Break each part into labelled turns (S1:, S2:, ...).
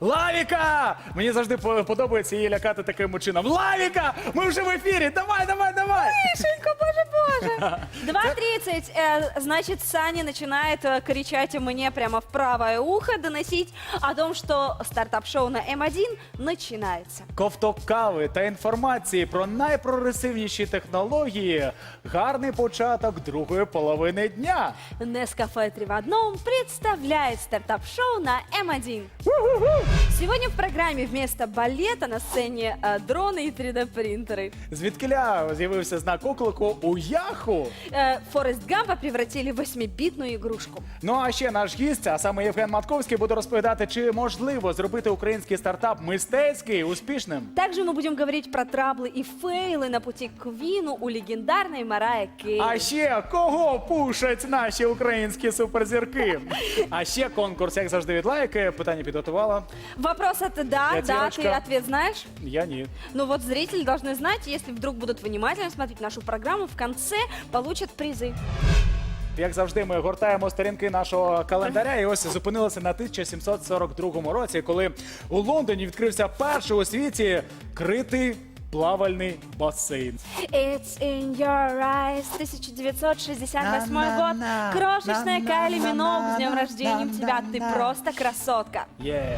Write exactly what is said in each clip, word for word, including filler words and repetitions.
S1: Лавіка! Мені завжди по- подобається її лякати таким чином. Лавіка! Ми вже в ефірі! Давай, давай, давай!
S2: Мишенька, боже, боже. два тридцать, э, значит, Саня начинает э, кричать мне прямо в правое ухо, доносить о том, что стартап-шоу на эм один начинается.
S1: Ковток кави та інформації про найпрогресивніші технології. Гарний початок другої половини дня.
S2: Нескафе три в одном представляет стартап-шоу на эм один. Сегодня в программе вместо балета на сцене э, дроны и три дэ-принтеры.
S1: Звідкиля з'явився знак оклику у Яху.
S2: Э, Форест Гампа превратили в восьмибитную игрушку.
S1: Ну а ще наш гість, а саме Євген Матковський, буде розповідати, чи можливо зробити український стартап мистецький успішним.
S2: Также мы будем говорить про траблы и фейлы на пути к Квину у легендарной Марайи Керри.
S1: А ще кого пушать наші українські суперзірки? А ще конкурс, як завжди, від лайки. Питання підготувала.
S2: Вопрос это да, да,
S1: Пятерочка.
S2: ты ответ знаешь?
S1: Я ні.
S2: Ну вот зрители должны знать, если вдруг будут внимательно смотреть нашу программу, в конце получат призы.
S1: Як завжди, ми гортаємо сторінки нашого календаря і ось зупинилися на тисяча сімсот сорок другому році, коли у Лондоні відкрився перший у світі критий плавальний басейн.
S2: It's in your eyes, тысяча девятьсот шестьдесят восьмой год.
S1: На-на-на,
S2: Крошечная Кайли Миноуг, с днем
S1: на-на-на,
S2: рождения тебя, ты
S1: на-на-на.
S2: просто красотка.
S1: Є.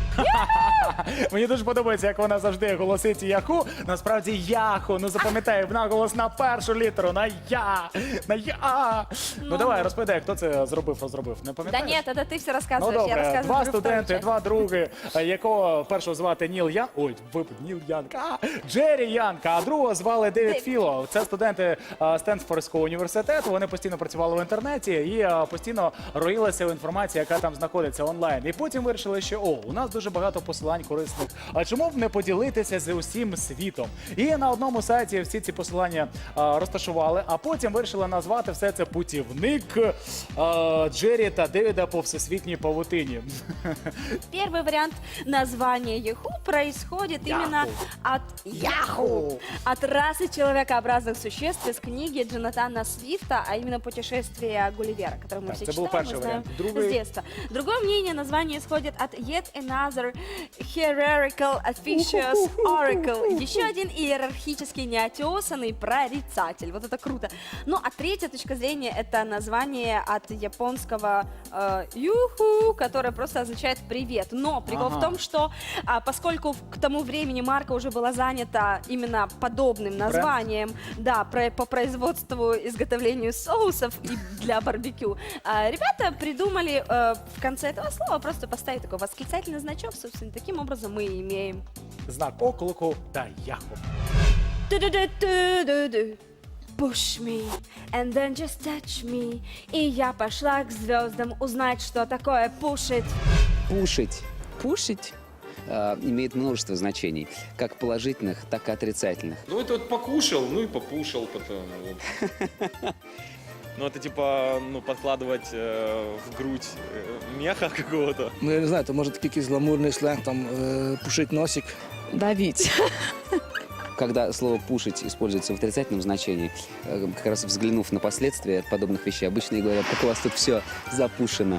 S1: Мені дуже подобається, як вона завжди голосить Яху. Насправді Яху. Ну запам'ятай, наголос на першу літеру, на Я. На Я. Ну,
S2: Ну.
S1: давай, розповідай, хто це зробив, розробив. Не
S2: Да
S1: пам'ятаєш?
S2: нет, это ты все
S1: Ну
S2: рассказываешь, я
S1: добре,
S2: рассказываю
S1: два
S2: про вторую
S1: студенти,
S2: часть.
S1: два други, е, якого першого звати Ніл Ян, ой, випад, Ніл Янка, а, Джері Янка, а другого звали Девід
S2: Девід.
S1: Філо. Це студенти е, Стенфордського університету, вони постійно працювали в інтернеті і е, постійно роїлися в інформації, яка там знаходиться онлайн. І потім вирішили, що о, у нас дуже багато посилань корисних, а чому б не поділитися з усім світом? І на одному сайті всі ці посилання е, розташували, а потім вирішили назвати все це путівник е, Джері та Девіда по всесвітній павутині.
S2: Первый вариант названия Яху происходит
S1: Яху.
S2: именно от
S1: Яху.
S2: Яху, от расы человекообразных существ из книги Джонатана Свифта, а именно «Путешествие Гулливера», которое мы
S1: Так,
S2: все
S1: это был
S2: читаем,
S1: первый
S2: мы знаем
S1: вариант. Другой-
S2: с детства. Другое мнение, название исходит от Yet Another Hierarchical Officious Oracle. Еще один иерархически неотесанный прорицатель. Вот это круто. Ну, а третья точка зрения — это название от японского э, «юху», которое просто означает «привет». Но прикол
S1: Ага.
S2: в том, что а, поскольку в- к тому времени марка уже была занята именно подобным названием, да, про- по производству, изготовлению соусов и для барбекю, а, ребята придумали э, в конце этого слова просто поставить такой восклицательный значок, собственно, таким образом мы и имеем.
S1: Знак оклику та Яху.
S2: Ту-ду-ду-ту-ду-ду. Push me, and then just touch me. И я пошла к звездам узнать, что такое пушить.
S3: Пушить. Пушить э, имеет множество значений, как положительных, так и отрицательных.
S4: Ну, это вот покушал, ну и попушал потом. вот.
S5: Ну, это типа, ну, подкладывать э, в грудь э, меха какого-то.
S6: Ну, я не знаю, то може такий якийсь гламурний сленг, там, е, пушить носик.
S7: Давить.
S3: Когда слово «пушить» используется в отрицательном значении, э, как раз взглянув на последствия подобных вещей, обычно и говорят, как у вас тут все запушено.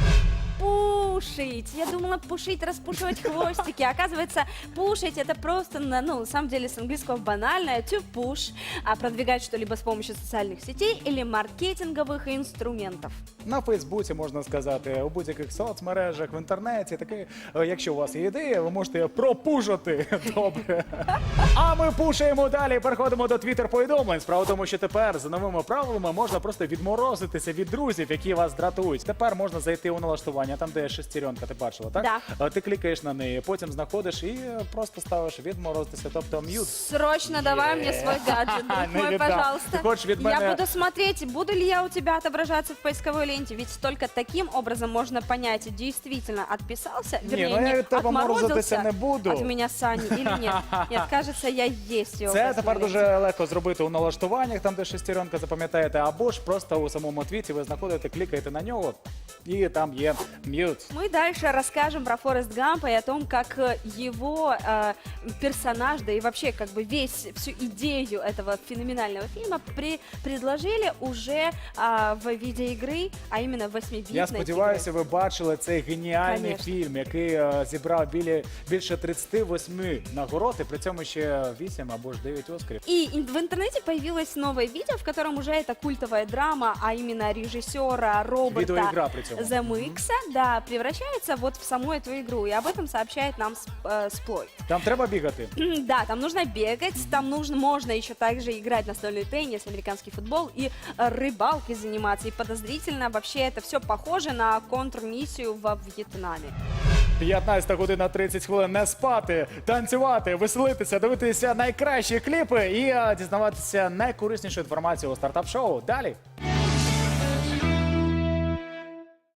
S2: Пушить. Я думала пушить, распушивать хвостики. Оказывается, пушить это просто, на- ну, на самом деле с английского банальное to push, а продвигать что-либо с помощью социальных сетей или маркетинговых инструментов.
S1: На Фейсбуці, можна сказати, у будь-яких соцмережах, в інтернеті. Таке, е, якщо у вас є ідея, ви можете пропушити. Добре. А ми пушаємо далі. Переходимо до твіттер-повідомлень. Справа в тому, що тепер за новими правилами можна просто відморозитися від друзів, які вас дратують. Тепер можна зайти у налаштування, там де шестеренка, ти бачила, так?
S2: Да.
S1: Е, Ти клікаєш на неї, потім знаходиш і е, просто ставиш відморозитися, тобто м'ют.
S2: Срочно давай мне свой гаджет, друг
S1: Не
S2: мой,
S1: віддам.
S2: пожалуйста.
S1: Ти хочеш від
S2: Я
S1: мене-
S2: буду смотреть, буду ли я у тебя отображаться в поисковой ленте, ведь только таким образом можно понять, действительно отписался,
S1: Не,
S2: вернее,
S1: ну я
S2: не
S1: від тебе морозитися
S2: отморозился
S1: не буду.
S2: от меня Сани или нет. Нет, кажется, я есть его.
S1: Це тепер дуже легко зробити у налаштуваннях, там де шестеренка, запам'ятаєте, або ж просто у самому твіті ви знаходите, клікаєте на нього, і там є м'ют.
S2: Мы дальше расскажем про Форест Гампа и о том, как э, его э, персонаж, да и вообще как бы весь, всю идею этого феноменального фильма при- предложили уже а, в виде игры, а именно восьмибитной
S1: Я сподіваюся,
S2: игры.
S1: ви бачили цей геніальний
S2: Конечно.
S1: фільм, який е, зібрав білі, більше тридцять вісім нагород, і при цьому ще вісім або ж дев'ять оскарів.
S2: И ин- в интернете появилось новое видео, в котором уже эта культовая драма, а именно режиссера Роберта
S1: Видеоигра причем.
S2: Земекиса, да, превращается вот в саму эту игру. И об этом сообщает нам Сп- э, Сплойт.
S1: Там треба бігати.
S2: Да, там нужно бегать, там нужно, можно еще также играть настольный теннис, американский футбол и э, рыбалкой заниматься. И подозрительно вообще это все похоже на контрмиссию во Вьетнаме.
S1: п'ятнадцята година тридцять хвилин. Не спати, танцювати, веселитися, дивитися найкращі кліпи і е, дізнаватися найкориснішу інформацію у стартап-шоу. Далі.